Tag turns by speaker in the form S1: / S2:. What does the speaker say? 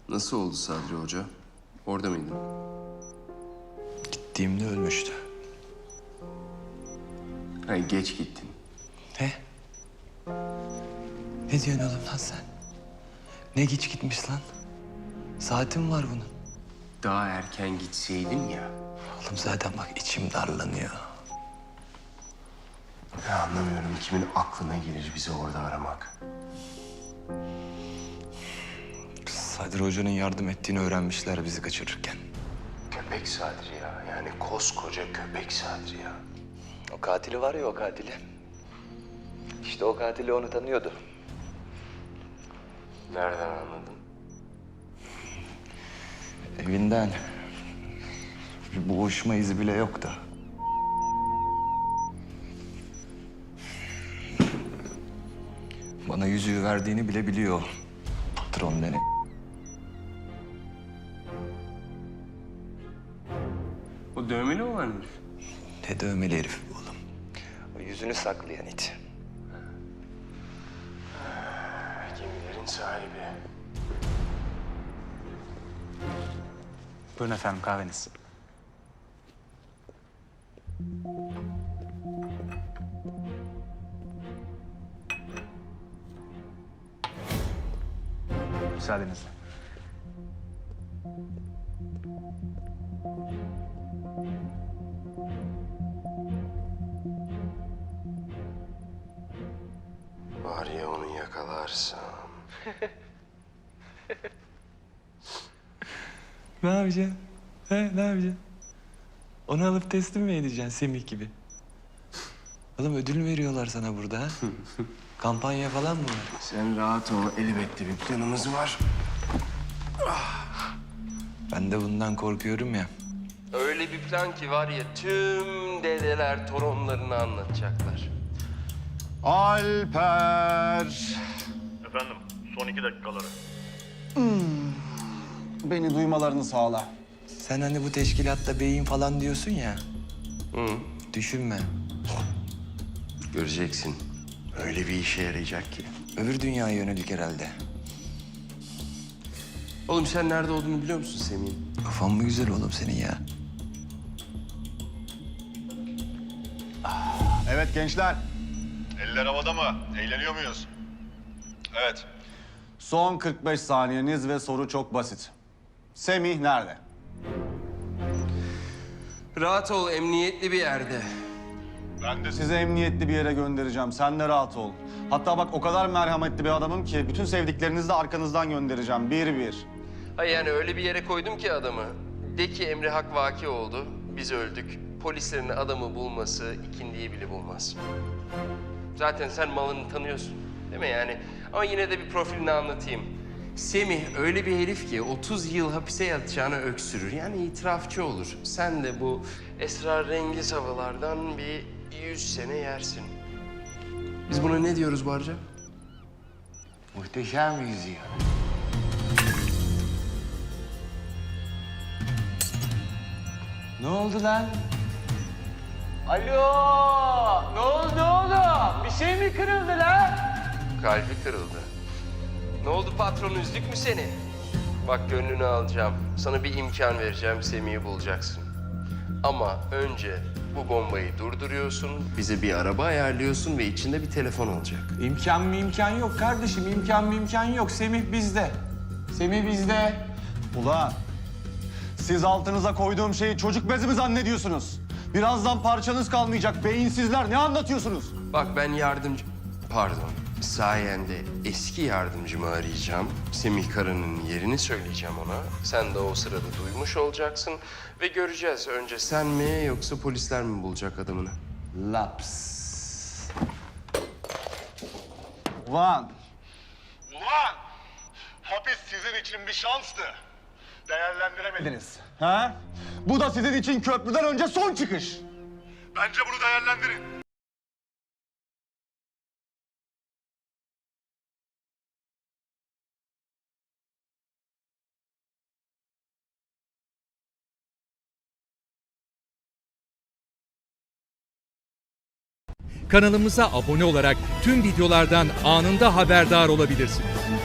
S1: Nasıl oldu Sadri Hoca? Orada mıydın?
S2: Gittiğimde ölmüştü.
S1: Hayır, geç gittin.
S2: Ne? Ne diyorsun oğlum lan sen? Ne geç gitmiş lan? Saatim var bunun.
S1: Daha erken gitseydin ya.
S2: Oğlum zaten bak içim darlanıyor.
S1: Ya anlamıyorum, kimin aklına gelir bizi orada aramak.
S2: Sadri Hoca'nın yardım ettiğini öğrenmişler bizi kaçırırken.
S1: Köpek Sadri ya. Yani koskoca köpek Sadri ya.
S2: O katili var ya o katili. İşte o katili onu tanıyordu.
S1: Nereden anladın?
S2: Evinden bir boğuşma izi bile yoktu. Bana yüzüğü verdiğini bile biliyor. Patron denen.
S1: O dövmeli olan herif.
S2: Ne dövmeli herif bu oğlum. O yüzünü saklayan it.
S1: Gemilerin sahibi.
S3: Buyurun efendim kahveniz. Müsaadenizle.
S1: Var ya onu yakalarsam.
S2: Ne yapacaksın? He, ne yapacaksın? Onu alıp teslim mi edeceksin Semih gibi? Oğlum ödül veriyorlar sana burada ha? Kampanya falan mı var?
S1: Sen rahat ol, elbette bir planımız var.
S2: Ben de bundan korkuyorum ya.
S1: Öyle bir plan ki var ya, tüm dedeler torunlarını anlatacaklar.
S4: Alper.
S5: Efendim, son 2 dakikaları.
S4: Beni duymalarını sağla.
S2: Sen hani bu teşkilatta beyin falan diyorsun ya.
S1: Hı.
S2: Düşünme.
S1: Göreceksin. Öyle bir işe yarayacak ki.
S2: Öbür dünyaya yönelik herhalde.
S1: Oğlum sen nerede olduğunu biliyor musun Semih'in?
S2: Kafan mı güzel oğlum senin ya?
S4: Evet gençler.
S5: Eller havada mı? Eğleniyor muyuz? Evet.
S4: Son 45 saniyeniz ve soru çok basit. Semih nerede?
S1: Rahat ol, emniyetli bir yerde.
S5: Ben de
S4: Sizi emniyetli bir yere göndereceğim. Sen de rahat ol. Hatta bak o kadar merhametli bir adamım ki bütün sevdiklerinizi de arkanızdan göndereceğim. Bir bir.
S1: Hayır yani öyle bir yere koydum ki adamı. De ki emri hak vaki oldu, biz öldük. Polislerin adamı bulması ikindiyi bile bulmaz. Zaten sen malını tanıyorsun, değil mi yani? Ama yine de bir profilini anlatayım. Semih öyle bir herif ki 30 yıl hapise yatacağını öksürür. Yani itirafçı olur. Sen de bu esrarengiz havalardan bir 100 sene yersin. Biz buna ne diyoruz Barca?
S2: Muhteşem yüzüyor. Ne oldu lan? Alo! Ne oldu oğlum? Bir şey mi kırıldı lan?
S1: Kalbi kırıldı. Ne oldu patron, üzdük mü seni? Bak gönlünü alacağım. Sana bir imkan vereceğim, Semih'i bulacaksın. Ama önce bu bombayı durduruyorsun, bize bir araba ayarlıyorsun ve içinde bir telefon olacak.
S6: İmkan yok kardeşim. İmkan yok. Semih bizde. Semih bizde.
S4: Ulan siz altınıza koyduğum şeyi çocuk bezi mi zannediyorsunuz? Birazdan parçanız kalmayacak. Beyinsizler ne anlatıyorsunuz?
S1: Bak ben sayende eski yardımcımı arayacağım. Semih Kara'nın yerini söyleyeceğim ona. Sen de o sırada duymuş olacaksın ve göreceğiz. Önce sen mi yoksa polisler mi bulacak adamını?
S2: Laps.
S4: Ulan
S5: Ulan! Hapis sizin için bir şanstı. Değerlendiremediniz.
S4: ha? Bu da sizin için köprüden önce son çıkış.
S5: Bence bunu değerlendirin.
S7: Kanalımıza abone olarak tüm videolardan anında haberdar olabilirsiniz.